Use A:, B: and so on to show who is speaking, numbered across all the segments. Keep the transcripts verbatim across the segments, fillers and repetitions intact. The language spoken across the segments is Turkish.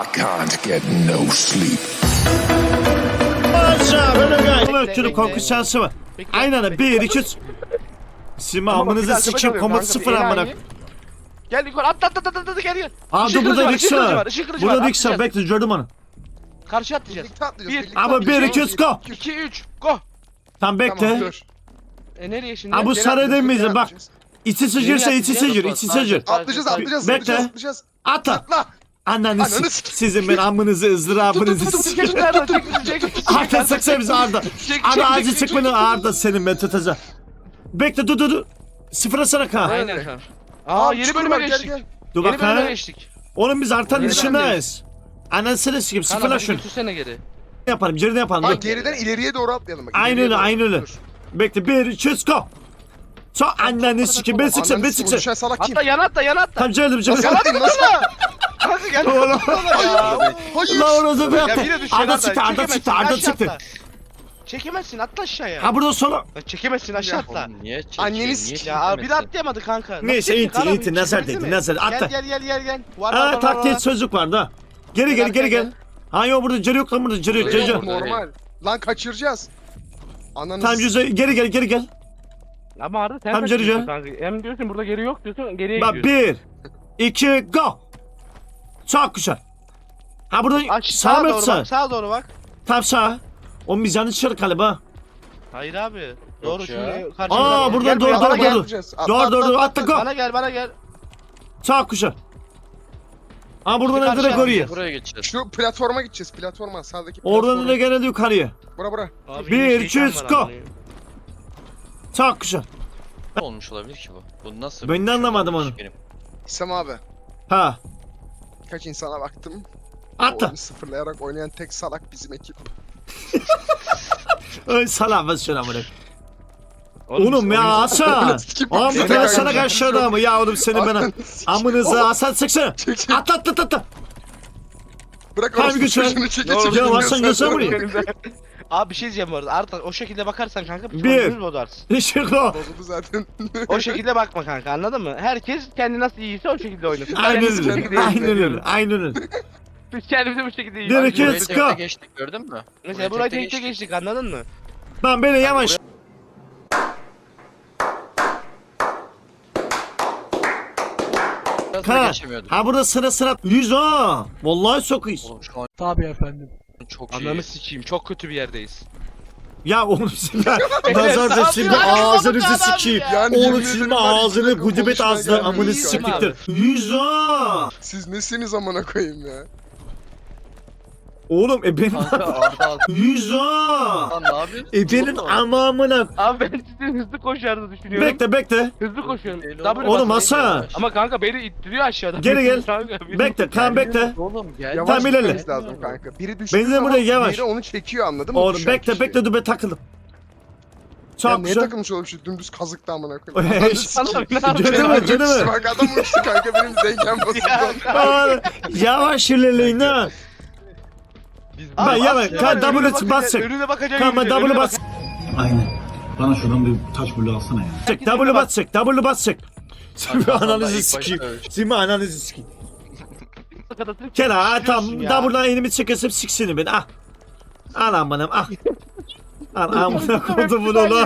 A: I can't get no sleep.
B: Aşağı böyle gel. Ama
C: Bekle,
B: türlü
C: bekle.
B: korku şansı var.
C: Bekle,
B: Aynen öyle.
C: bekle.
B: Bir, iki, üç. Sima
D: Ama bak, bir
B: amınızı
D: dakika
B: sikeyim.
D: kalıyorum
B: Komut
D: kanka,
B: sıfır
D: enayi.
B: amına.
D: Gel yukarı atla atla atla atla gel gel.
B: Aa
D: Işık
B: dur burada
D: kılıcı var,
B: Rix
D: ışık kılıcı
B: var.
D: var, ışık kılıcı
B: Burada
D: var,
B: Rix var.
D: atlayacağız.
B: Bekle gördüm onu.
D: Karşı atlayacağız.
E: Birlikte atlayacağız.
D: Bir.
E: birlikte
B: Ama
E: atlayacağız.
B: bir, iki, üç, go.
D: iki üç go.
B: Tam
E: Tamam
B: bekle.
E: dur.
D: E nereye şimdi?
B: Ha bu
E: Geri
B: sarı
E: atlayacağız,
B: değil miyiz?
E: geri
B: Bak.
E: atlayacağız.
B: İçi sıcırsa içi
C: atlayacağız.
B: sıcır. içi sıcır.
E: Atlayacağız atlayacağız.
B: Bekle.
E: Atlayacağız atlayacağız.
B: Atla.
E: Atla.
B: Ananı
E: Ananı
B: sik.
E: sik.
B: Sizin ben amınızı ızdırabınızı
E: Tut, tut, tut,
B: sikeyim.
D: Çek nereden çek bizi çek bizi, çek.
B: Arda sıksa bizi Arda.
D: Çek,
B: Arda
D: çek,
B: acı
D: çek,
B: çık
D: çek,
B: beni
D: çek.
B: Arda senin ben tutacağım. Bekle dur dur dur. Sıfıra sana ka.
D: Aynen kanka. Aa yeni
E: çukur
D: bölüme
E: var, gel,
D: geçtik.
E: gel.
B: Dur
D: Yeni
B: bak
D: bölüme
B: ha.
D: geçtik.
B: Oğlum biz artan
D: Yeni
B: dışındayız. Anasını sikeyim
D: Kanka
B: sıfırla
D: beni
B: şunu.
D: götürsene geri.
B: Yapalım geride yapalım.
E: Ha
B: Dur.
E: geriden ileriye doğru atlayalım bak.
B: Aynen
E: ileriye
B: öyle
E: doğru.
B: aynen öyle.
E: Dur.
B: Bekle bir iki üç go. Çok anneni sikeyim ben sıksın ben
E: Ananı
B: sıksın.
E: düşen salak kim?
D: Atla yana atla yana atla.
B: Tam geldim canım.
E: Nasıl atlayayım nasıl?
D: Kanka gel.
B: Oğlum.
E: Hayır.
B: Lan orası bir
D: Ya
B: attı.
D: yine düş
B: Arda
D: yana
B: çıktı Arda
D: çekemezsin,
B: çıktı Arda
D: aşağı
B: çıktı.
D: atla. Çekemezsin atla aşağıya.
B: Ha burada sola.
D: Ya çekemezsin aşağı atla.
F: Niye çekiyor?
E: Anneni
F: Niye
E: s-
D: Ya abi bir atlayamadı kanka. Nasıl
B: Neyse
D: çekecek
B: inti
D: adam?
B: inti nazar
D: Çekildi
B: dedi
D: mi?
B: nazar atla.
D: Gel gel gel gel gel. Var var var
B: Aa
D: var.
B: taktiği
D: var.
B: sözlük vardı ha. Geri geri geri gel. Ha yok burada cırı yok lan burada cırı yok cırı yok.
E: Normal. Lan kaçıracağız. Ananı
B: Tamam
E: s-
B: yüze geri gel geri gel.
D: Ama Arda sen
B: Tam
D: kaçıyorsun
B: Cerice.
D: kanka. Hem diyorsun burada geri yok diyorsun geriye
B: Bak
D: gidiyorsun.
B: bir, iki, go. Çok güzel. Ha burada
D: Aç,
B: sağ
D: sağa
B: mı
D: doğru
B: sağ?
D: bak sağa doğru bak.
B: Tam sağ. O biz yanlış çıkar galiba.
D: Hayır abi. Doğru
F: ya.
D: şimdi karşı.
B: Aa, buradan
D: Gel
B: doğru,
D: buraya,
B: doğru,
D: bana gel.
B: doğru.
E: Atlayacağız. Atla,
B: Doğru doğru
E: atla,
B: doğru
E: atla.
B: atla go.
D: Bana gel bana gel.
B: Çok güzel. Ha buradan
D: Karşı
B: direkt oraya.
D: atlayacağız.
F: Buraya geçeceğiz.
E: Şu platforma gideceğiz. Platforma sağdaki platforma.
B: Oradan da gene de yukarıya.
E: Bura bura.
D: Abi
B: Bir,
D: yine
B: iki,
D: şeytan
B: üç,
D: var
B: go.
D: amına.
B: Çok güzel.
F: Ne olmuş olabilir ki bu? Bu nasıl?
B: Ben
F: bir
B: de
F: şey
B: anlamadım
F: olmuş
B: onu.
F: benim?
E: İslam abi.
B: Ha.
E: Kaç insana baktım.
B: Atla.
E: Oyunu sıfırlayarak oynayan tek salak bizim ekip.
B: Öyle salam ben şuna bunu. Oğlum ya Hasan.
E: Sikim
B: Oğlum
E: bak,
B: bir
E: seni
B: tane
E: ben
B: sana
E: göreceğim.
B: karşı mı? Ya oğlum seni bana.
E: Ananı sikim.
B: Amınızı Hasan sıksana.
E: Çek çek.
B: Atla atla atla, atla.
E: Bırak
B: Harbi
E: orası
B: güzel.
E: çocuğunu çeke
D: Ne
E: çeke.
D: oldu?
B: Ya
E: dinliyorsun.
B: Hasan göster buraya.
D: Abi bir şey diyeceğim bu arada. Arda o şekilde bakarsan kanka biz
B: Bir.
D: oyunumuzu bozarsın.
B: Işık o.
E: Bozuldu zaten.
D: O şekilde bakma kanka anladın mı? Herkes kendi nasıl iyiyse o şekilde oynasın.
B: Aynen
D: Kendimiz bu
B: öyle.
D: şekilde
B: Aynen
D: izliyoruz.
B: öyle. Aynen öyle.
D: Biz kendimizi bu şekilde
B: Bir,
D: izliyoruz.
B: iki,
F: Burayı
B: üç,
F: tekte
B: go.
F: geçtik gördün mü?
D: Mesela burayı tekte geçtik anladın mı?
B: Lan beni yavaş.
F: Burası da
B: Ha.
F: geçemiyorduk.
B: Ha burada sıra sıra. Yüz ha. Vallahi sokuyuz.
F: Oğlum şu an
G: Tabii efendim.
F: çok iyi.
D: Ananı sikeyim çok kötü bir yerdeyiz.
B: Ya oğlum şimdi nazarda şimdi ağzınızı sikeyim.
E: Yani
B: Oğlum
E: yemin
B: şimdi
E: ederim var ya,
B: ağzını
E: hiçbir
B: gudubet
E: konuşmaya
B: ağzına
E: gelmiyor
B: amını
E: şu an.
B: siktiktir. Yüz ha.
E: Siz nesiniz amına koyayım ya?
B: Oğlum e benim
F: Kanka Arda
B: yüz ha.
F: Lan ne yapıyorsun?
B: E benim
F: Oğlum.
B: amamına.
D: Abi ben sizin hızlı koşardığını düşünüyorum.
B: Bekle bekle.
D: Hızlı koşuyorum.
F: Değil
D: W
B: Oğlum
D: basın.
B: Hasan.
D: Ama kanka beni ittiriyor aşağıdan.
B: Geri gel.
D: Kanka, beni-
B: Bekle kan bekle.
F: Oğlum gel.
E: Yavaş
B: Tamam, ilerle.
E: gitmemiz lazım kanka. Biri düştüğü
B: Ben de
E: zaman
B: buraya yavaş.
E: diğeri onu çekiyor anladın mı?
B: Oğlum
E: Düşen
B: bekle
E: kişi.
B: bekle dur ben takıldım.
E: Ya
B: Çok
E: neye
B: güzel.
E: takılmış oğlum şu dümdüz kazıkta amına koyayım.
B: Eş,
E: Ananı sikeyim.
D: ne yapıyorsun?
B: Canım
E: Bak,
B: canım.
E: Bak adam uçtu kanka benim dengen bozuldu.
B: Aa, Yavaş ilerleyin ha.
F: Biz
B: Ben
D: Abi,
B: yavaş.
D: bak,
B: Kan
D: önüne
B: W
D: bakacak,
B: basacak.
D: Önüne bakacak.
B: Kan ben W bas.
G: Aynen. Bana şuradan bir taş bulu alsana ya.
B: W basacak. W basacak. Simi
F: Hasan da
B: ananızı
F: ilk
B: sikeyim.
F: başta-
B: Simi ananızı sikeyim. Kena ha tam W'dan elimi çekesim siksini ben ah. Al amınım ah. Al amına koydum bunu lan.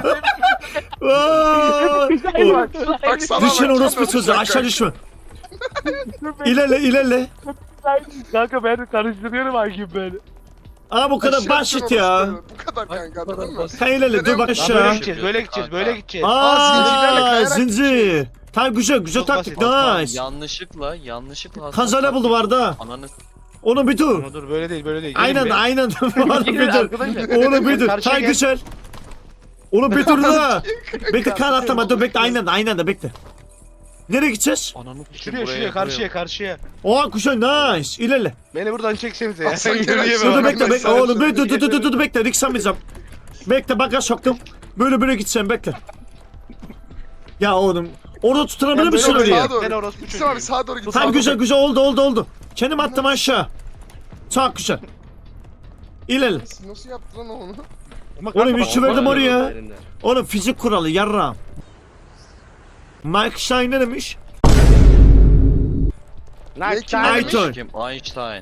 B: Vay. O-
E: Bak sana
B: Düşün
E: bak,
B: orospu
E: sana
B: çocuğu
E: bak
B: aşağı
E: kanka.
B: düşme. İlerle ilerle.
D: Kanka ben karıştırıyorum hakim beni.
B: Aa bu kadar
E: Aşağı
B: basit
E: düşün
B: ya.
E: orospu. Bu kadar kanka anladın mı?
B: Sen ilerle dur bak
D: Böyle
B: aşağı.
D: gideceğiz, böyle gideceğiz, böyle gideceğiz.
E: Aa, zincirlerle
B: Aa
E: kayarak
B: zincir. Tamam güzel güzel
D: Çok
B: taktik
D: basit.
F: Hasan,
B: nice.
F: yanlışlıkla yanlışlıkla Hasan
B: Kazara
F: taktik-
B: buldu vardı.
F: Ananı
B: Onu bir dur.
D: Ama dur böyle değil, böyle değil. Gelin
B: Aynen
D: be.
B: aynen. Onu bir
D: Gelin
B: dur.
D: arkadaşlar.
B: Onu bir dur.
D: Karşıya
B: Tamam
D: gel.
B: güzel. Onu bir dur da. Bekle kan atlama dur bekle aynen de aynen de bekle. Nereye gideceğiz?
F: ananı
D: Şuraya, şuraya, karşıya, karşıya.
B: Oha kuşa nice. İlerle.
D: Beni buradan çeksenize ya.
E: Hasan gel
D: Yürüyemem.
E: aşağı.
B: Dur dur
E: ben
B: bekle
E: de
B: bekle.
E: sana
B: Oğlum dur dur
E: söyleyeyim.
B: dur dur dur dur bekle. Riksamayacağım. Bekle baka soktum. Böyle böyle gideceğim bekle. Ya oğlum. Orada tutunabilir
D: Ben
B: misin
D: böyle
B: oraya?
E: Sağa doğru.
D: Ben orospu
E: İslam abi
D: çocuğuyum.
E: sağa doğru git.
B: Tamam
E: sağa
B: güzel
E: doğru.
B: güzel oldu oldu oldu. Kendim attım aşağı. Çok güzel. İlerle.
E: Nasıl- Nasıl yaptı lan onu?
D: Ama
B: Oğlum
D: kanka
B: üçü
D: bak,
B: verdim
D: olmaz
B: oraya.
D: öyle elinden.
B: Oğlum fizik kuralı yarrağım. Mike Shine ne demiş?
E: Ne, kim
D: Einstein.
E: demiş?
B: Ayton.
F: Kim? Einstein.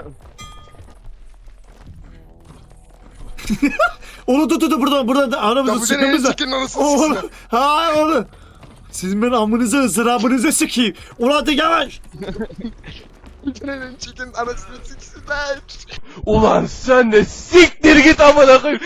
B: Onu tut tut burada burada da aramızda
E: Ya bu senin en
B: sıkımız var.
E: çirkin anasını
B: Oğlum.
E: siksin.
B: Ha oğlum. Sizin ben amınıza ızdırabınıza sıkayım. Ulan da yavaş.
E: Senin en çirkin anasını siksinler.
C: Ulan sen de siktir git amına koyayım.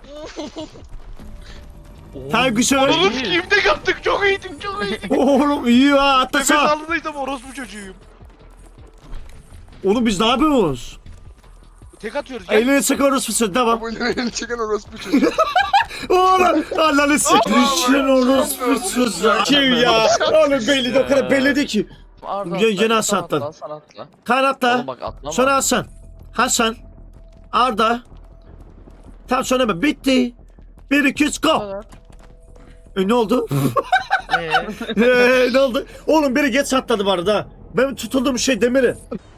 B: Sen güzel.
D: Oğlum kimde yaptık çok iyiydim çok iyiydim.
B: Oğlum iyi ha hatta
D: Nefes
B: sağ.
D: aldıysam orospu çocuğuyum.
B: Oğlum biz ne yapıyoruz?
D: Tek atıyoruz gel.
B: Elini sıkıyoruz fısır devam.
E: Bu en çirkin orospu çocuğu.
B: Oğlum Allah'ını siktir. Sen orospusuz. Kim ya? Oğlum belli de o kadar belliydi ki.
F: Arda
B: Gene-
F: atla,
B: gene
F: sen
B: Hasan
F: atla,
B: atladı.
F: Hasan atla.
B: Kanatla.
F: Oğlum bak atlama.
B: Sonra Hasan. Hasan. Arda. Tam sonra ben bitti. Bir iki üç go.
F: kadar.
B: E ne oldu?
F: Ee,
B: Eee ne oldu? Oğlum biri geç atladı bu arada. Ben tutulduğum şey demiri.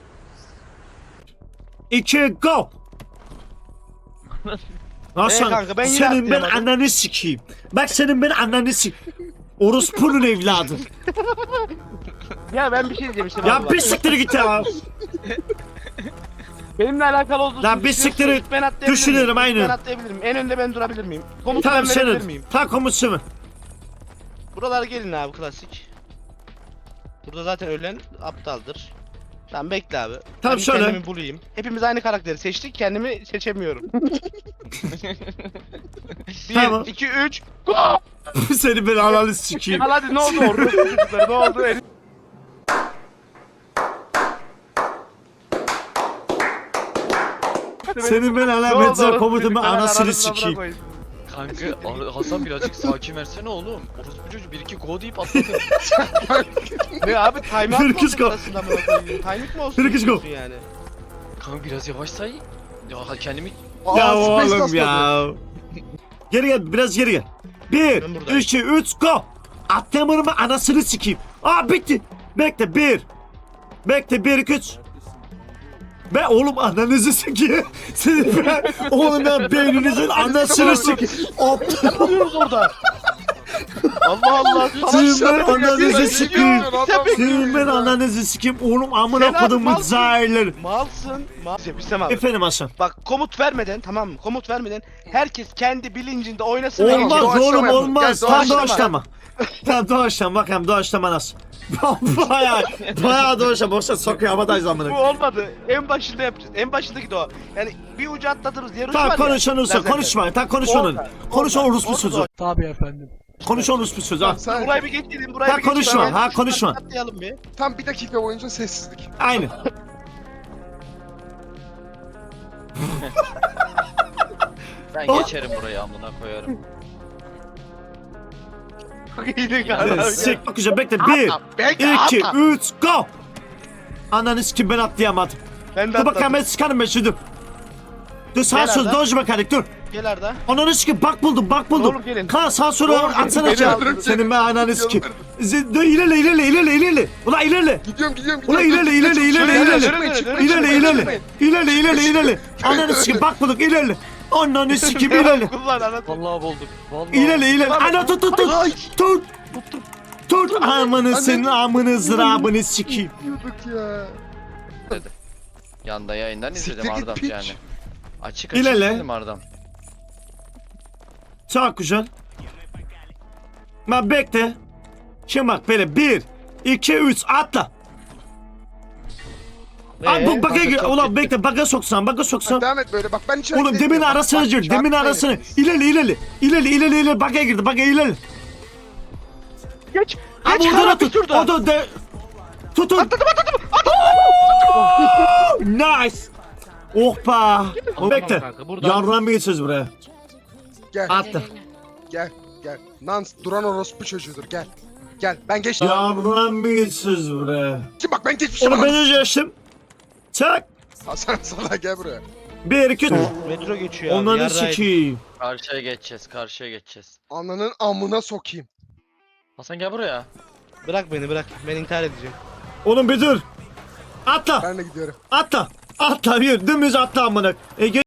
B: İki go. Hasan
D: Ee kanka, ben yine
B: senin ben
D: atlayamadım.
B: ananı sikeyim. Bak senin ben ananı sik. Orospu'nun evladı.
D: Ya ben bir şey diyeceğim işte.
B: Ya
D: baba.
B: bir siktir git ya.
D: Benimle alakalı olduğunu
B: Lan bir
D: düşünüyorsun.
B: siktir et.
D: Ben atlayabilir
B: Düşünüyorum,
D: miyim?
B: aynen.
D: Ben atlayabilirim. En önde ben durabilir miyim? Komut
B: Tamam
D: ben verebilir
B: senin.
D: miyim?
B: Ta komutu mu?
D: Buralara gelin abi klasik. Burada zaten ölen aptaldır. Tamam bekle abi.
B: Tamam,
D: Ben
B: şöyle.
D: kendimi bulayım. Hepimiz aynı karakteri seçtik. Kendimi seçemiyorum. bir,
B: Tamam.
D: iki, üç.
B: Seni ben ananı sikeyim.
D: Al hadi ne oldu orada? Çocuklar, ne oldu? El-
B: Senin ben
D: Ne oldu
B: alametler
D: orası?
B: komutumu
D: Çocuklar,
B: anasını
D: aranızda
B: sikeyim.
D: bırakmayın.
F: kanka Ar- Hasan birazcık sakin versene oğlum. Orospu çocuğu bir iki go deyip atladı.
D: Ne abi time out
B: Bir
D: mı
B: kız
D: olsun
B: go.
D: arasında mı koyayım? Timing mi olsun?
B: Bir kız go.
D: istiyorsun yani?
F: Kanka biraz yavaş say. Ya kendimi
B: Ya
E: Aa, space
B: oğlum
E: atladı.
B: ya. Geri gel biraz geri gel. Bir,
D: Ben buradayım.
B: iki, üç, go. Atlamanımı anasını sikeyim. Aa bitti. Bekle bir. Bekle bir, iki, üç. Ben oğlum ananızı sikeyim. Senin ben oğlum ben beyninizin anasını sikeyim. Aptal.
D: Ne yapıyoruz orada? Allah Allah.
B: Senin ben
E: Aşağıda
B: ananızı
E: bir
B: sikeyim.
E: adam
B: Senin ben
E: ya.
B: ananızı sikeyim. Oğlum amına
D: Sen abi
B: kodumun
D: malsın.
B: zahirleri.
D: Malsın. Mal. Hüsem abi.
B: Efendim Hasan.
D: Bak komut vermeden tamam mı? Komut vermeden herkes kendi bilincinde oynasın. ve
B: Olmaz
E: doğaçlama
B: oğlum
E: yapalım.
B: olmaz.
E: Gel,
B: Tam
E: doğaçlama.
B: doğaçlama. Tam doğaçlama. Bakalım doğaçlama nasıl? Baya baya doğaçlama. Boşa sokuyor havadayız
D: Bu
B: amına.
D: olmadı. En başında yapacağız. En başındaki de o. Yani bir ucu atlatırız. Diğer ucu
B: Tamam
D: var ya.
B: konuş onu
D: Lazerle.
B: konuşma. Tamam konuş onun.
D: Orada,
B: Konuş
D: orada,
B: o orospu
D: orada
B: sözü.
D: doğru.
G: Tabii efendim.
B: Konuş o orospu sözü ha.
E: Sen
D: Burayı bir geçelim. Burayı
B: Ha,
D: bir geçelim.
B: konuşma,
D: Hemen
B: ha,
D: şuradan
B: konuşma.
D: Atlayalım bir.
E: tam bir dakika boyunca sessizlik.
B: Aynı.
F: ben
B: Oh.
F: geçerim burayı amına koyarım.
D: İyi galiba.
B: Sik bakacağım bekle. Bir,
D: Bekle,
B: iki,
D: atla.
B: üç, go. Ananı sikim ben atlayamadım.
D: Ben de
B: Dur bakalım
D: atladım.
B: ben sıkarım ben şimdi. Dur sağ
D: Gel
B: sol
D: Arda.
B: doj mekanik dur.
D: Gel Arda.
B: Ananı sikim bak buldum bak buldum.
D: Oğlum gelin.
B: Kaan sağ sola
D: Oğlum gelin,
B: atsana
D: beni
B: aşağı.
D: aldırın.
B: Senin ben ananı sikim. Z- Dur ilerle ilerle ilerle ilerle. Ulan ilerle.
E: Gidiyorum gidiyorum
B: Ulan
E: gidiyorum.
B: ilerle ilerle ilerle
D: Şöyle,
B: ilerle.
D: şöyle, şöyle, şöyle.
B: İlerle ilerle. İlerle ilerle ilerle. Ananı sikim bak bulduk ilerle. Ananı sikim ilerle.
D: Kullan anlat.
F: Vallahi bulduk. Vallahi.
B: İlerle ilerle. Ana tut tut tut. Tut. Tut. Amanı senin amını zırabını sikeyim.
E: Gidiyorduk ya.
F: Yanda yayından izledim
E: Siktir git
F: Ardam
E: piç.
F: yani. Açık açık
B: İlerle.
F: izledim Ardam.
B: Çok güzel. Ben bekle. Şimdi bak böyle bir, iki, üç atla. Abi bu baka gir. Ulan bekle baka soksan baka soksan.
E: Devam et böyle bak ben içeri
B: Oğlum
E: gideyim
B: demin
E: ya. Bak,
B: arasına
E: bak,
B: gir. Demin
E: çarpmayın
B: arasına.
E: hepiniz.
B: İlerle ilerle. İlerle ilerle ilerle. Baka girdi. Baka ilerle.
D: Geç.
B: Abi
D: Geç
B: orada
D: kara
B: tut.
D: bir turda.
B: O da de. Tutun. Atladım atladım. Nice. Oh be. O bekle.
D: kanka, buradan-
B: Yardan bir geçeceğiz buraya.
E: Gel
B: Atla.
E: gel gel. Nans duran orospu çocuğudur gel. Gel ben geçtim.
B: Yardan bir geçeceğiz buraya.
E: Kim bak ben geçmişim.
B: Onu ben önce geçtim. Çak.
E: Hasan sana gel buraya.
B: Bir, iki, üç.
D: Metro geçiyor abi.
B: Onları
D: yarraydı.
B: sikeyim.
F: Karşıya geçeceğiz karşıya geçeceğiz.
E: Ananın amına sokayım.
F: Hasan gel buraya.
D: Bırak beni bırak. Ben intihar edeceğim.
B: Oğlum bir dur. Atla.
E: Ben de gidiyorum.
B: Atla. Atla bir. Dümdüz atla amına. E, geç.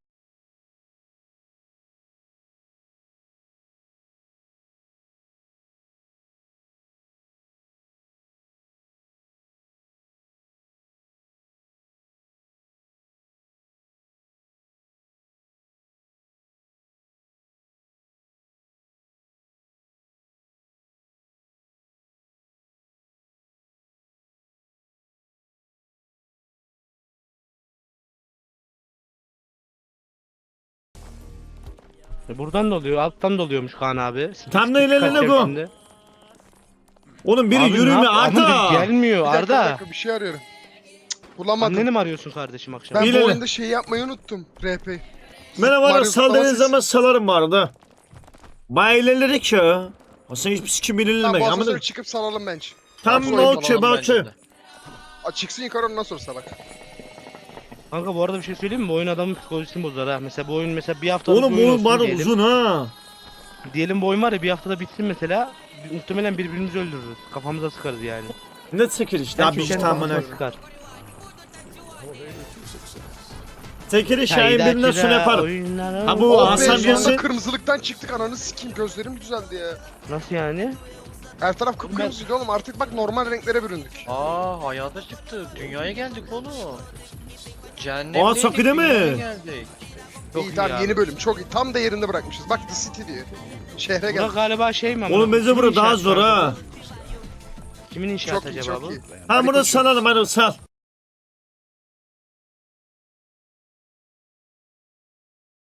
D: E buradan da oluyor, alttan da oluyormuş Kaan abi.
B: Tam da ilerle
D: Kaç
B: bu.
D: yaşında?
B: Oğlum biri
D: Abi ne
B: yürüme
D: yap- Abi
B: Arda.
D: gelmiyor
E: Bir dakika, bir
D: Arda.
E: dakika, bir şey arıyorum. Cık, bulamadım.
D: Anneni mi arıyorsun kardeşim akşam?
E: Ben
B: İleri.
E: bu oyunda şey yapmayı unuttum. R P.
B: Bana var ya
E: Mario
B: saldığınız
E: zıplaması-
B: zaman salarım bu arada. Bayağı ilerledik ya. Hasan hiçbir sikim
E: Tamam
B: ilerlemek.
E: bu
B: Ama
E: asansörü çıkıp salalım bence.
B: tam
E: Asansörü
B: no
E: salalım
B: ki
F: Bence
B: bakı.
F: de.
E: Aa, çıksın yukarı ondan sonra salak.
D: Kanka bu arada bir şey söyleyeyim mi? Bu oyun adamın psikolojisini bozar ha. Mesela bu oyun mesela bir haftalık
B: Oğlum
D: bir oyun
B: oğlum
D: olsun
B: bana
D: diyelim.
B: uzun ha.
D: Diyelim bu oyun var ya bir haftada bitsin mesela. Muhtemelen birbirimizi öldürürüz. Kafamıza sıkarız yani.
B: Ne çekil işte
D: Herkes
B: abi işte
D: kendi
B: tamam.
D: kafasına sıkar.
B: Tekeri Şahin
D: Hayda,
B: birinden sonra
D: kira,
B: yaparım.
D: oyunlar-
B: Ha, bu
E: Oh be,
B: Hasan
E: sonunda
B: girsin.
E: kırmızılıktan çıktık ananı sikeyim gözlerim düzeldi ya.
D: Nasıl yani?
E: Her taraf kıpkırmızıydı oğlum artık bak normal renklere büründük.
F: Aa hayata çıktık. Dünyaya geldik oğlum. Cehennem
B: Aa, Saki değil mi?
F: geldik.
D: Çok
E: iyi
D: iyi
E: tamam
D: abi.
E: yeni bölüm çok iyi tam da yerinde bırakmışız. Bak The City diyor. Şehre
D: Bura
E: geldik.
D: galiba şey mi?
B: Oğlum bence bura daha zor ha.
D: Kimin inşaatı
E: Çok iyi
D: acaba
E: çok
D: bu?
E: iyi.
B: Ha
E: Hadi
B: burada
E: koşun.
B: salalım hadi sal.